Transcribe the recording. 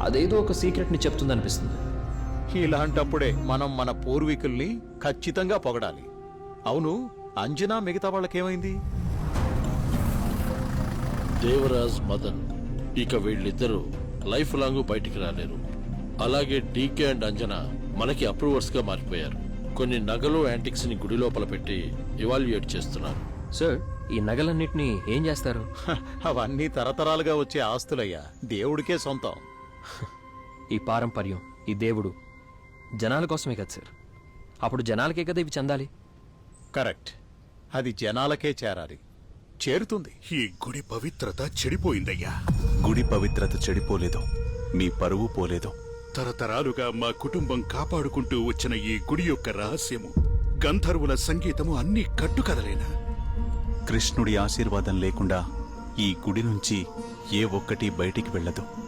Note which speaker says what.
Speaker 1: అదేదో ఒక సీక్రెట్ని చెప్తుందనిపిస్తుంది.
Speaker 2: ఇలాంటప్పుడే మనం మన పూర్వీకుల్ని ఖచ్చితంగా పొగడాలి. అవును, అంజనా మిగతా వాళ్ళకేమైంది?
Speaker 3: దేవరాజ్, మదన్ ఇక వీళ్ళిద్దరూ లైఫ్ లాంగ్ బయటికి రాలేరు. అలాగే డీకే అండ్ అంజనా మనకి అప్రూవర్స్ గా మారిపోయారు. కొన్ని నగలు యాంటిక్స్ ని గుడి లోపల పెట్టి ఇవాల్యుయేట్ చేస్తున్నారు.
Speaker 1: సార్, ఈ నగలన్నిటినీ ఏం చేస్తారు?
Speaker 2: అవన్నీ తరతరాలుగా వచ్చే ఆస్తులయ్యా, దేవుడికే సొంతం.
Speaker 1: ఈ పారంపర్యం, ఈ దేవుడు జనాల కోసమే కదా సార్. అప్పుడు జనాలకే కదా ఇవి చెందాలి.
Speaker 2: కరెక్ట్, అది జనాలకే చేరాలి. చేరుతుంది.
Speaker 4: ఈ గుడి పవిత్రత చెడిపోయిందయ్యా.
Speaker 5: గుడి పవిత్రత చెడిపోలేదు, మీ పరువు పోలేదు.
Speaker 4: తరతరాలుగా మా కుటుంబం కాపాడుకుంటూ వచ్చిన ఈ గుడి యొక్క రహస్యము, గంధర్వుల సంగీతము అన్నీ కట్టుకదలేనా?
Speaker 5: కృష్ణుడి ఆశీర్వాదం లేకుండా ఈ గుడి నుంచి ఏ ఒక్కటి బయటికి వెళ్ళదు.